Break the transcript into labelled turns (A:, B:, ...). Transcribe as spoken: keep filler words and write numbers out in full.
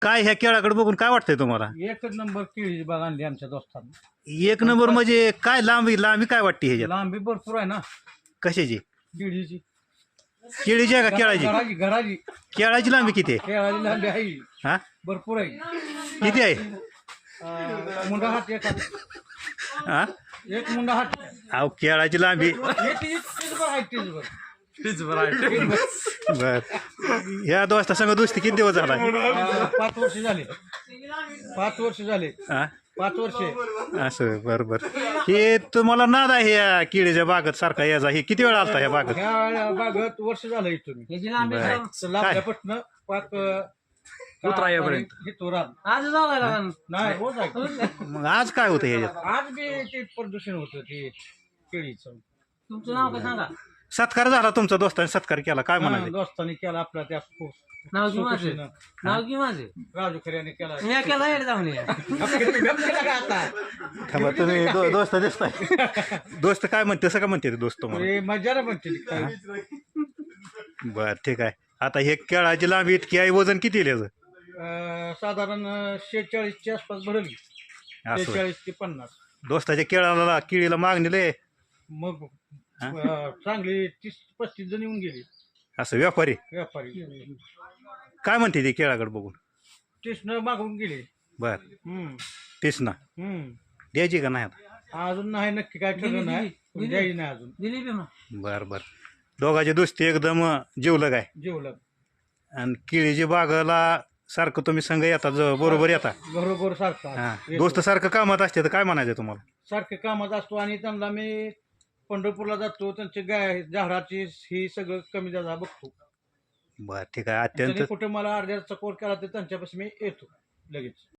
A: काय ह्या केळाकडे बघून काय वाटतंय तुम्हाला?
B: एकच नंबर केळीची बाग आणली आमच्या दोस्तांनी.
A: एक नंबर म्हणजे काय लांबी लांबी काय वाटते ह्याच्यात?
B: लांबी भरपूर आहे ना
A: कशाची?
B: केळीची.
A: केळीची आहे का केळाची?
B: घराची घराची
A: केळाची लांबी किती आहे?
B: केळाची लांबी आहे
A: हा
B: भरपूर आहे.
A: किती आहे?
B: अं, मुंडा हात एक हात.
A: हा
B: एक मुंडा हात.
A: अहो केळाची लांबी
B: हे तीच तीच भर आहे तीच भर.
C: तीच बरं आहे.
A: बर ह्या दोस्ता संग दोस्ती किती दिवस झाला?
B: अं, पाच वर्ष झाले. पाच वर्ष झाले.
A: हा
B: पाच वर्ष.
A: असं बर बर. हे तुम्हाला नाद आहे ह्या केळीच्या बागत सारखा याचा, हे किती वेळा आलता ह्या बागत?
B: ह्या बागत वर्ष झालं इथून
A: बरं.
B: लाभल्यापासून पाच
C: उतरायापर्यंत.
B: आज नाही रोज आहे.
A: मग आज काय होतं ह्याच्यात?
B: आज बी ते प्रदूषण होतं ते केळीचं.
D: तुमचं नाव काय सांगा?
A: सत्कार झाला तुमचा दोस्ताने सत्कार केला काय
B: हा,
A: म्हणाले?
B: दोस्तांनी केला आपला त्या
D: नाव की माझं?
B: सुखशीनं.
D: नाव की माझं?
B: राजू खऱ्याने केला.
D: मी केला येड जाऊन या.
B: आता
A: थांबा, तुम्ही दो- दोस्त दिसताय. दोस्त काय म्हणते असं का म्हणते ते दोस्त तुम्हाला?
B: हे मजा म्हणते काय.
A: बर ठीक आहे. आता हे केळाची लांबी इतकी आहे, वजन किती आहे याचं?
B: अं, साधारण शेहेचाळीसच्या आसपास भरल.
A: असं
B: शेहेचाळीस ते पन्नास.
A: दोस्ताच्या केळाला केळीला मागणी लय.
B: मग अं, चांगली तीस पस्तीस जण येऊन गेली
A: असं व्यापारी
B: व्यापारी.
A: काय म्हणते ते केळाकडे बघून?
B: स्टेशन मागून गेले.
A: बर
B: हम्म
A: तेच ना
B: हम्म
A: द्यायची का नाही आता?
B: अजून नाही नक्की काय ठरलं नाही. पण द्यायची नाही अजून.
D: दिली बी मग.
A: बर बर. दोघांची दोस्ती एकदम जीवलग आहे.
B: जेवलं
A: आणि केळीची बागाला सारखं तुम्ही संघ येता ज- बरोबर येता.
B: बरोबर सारखा
A: हा
B: येतो.
A: दोस्त सारखं कामात असते तर काय म्हणायचं तुम्हाला?
B: सारखे कामात असतो आणि त्यांना मी पंढरपूरला जातो. त्यांचे गाय झाडाची ही सगळं कमी जादा बघतो.
A: बर ठीक आहे. अत्यंत
B: त्यांनी कुठे मला अर्ध्या चकोर केला तर त्यांच्यापासून मी येतो लगेच.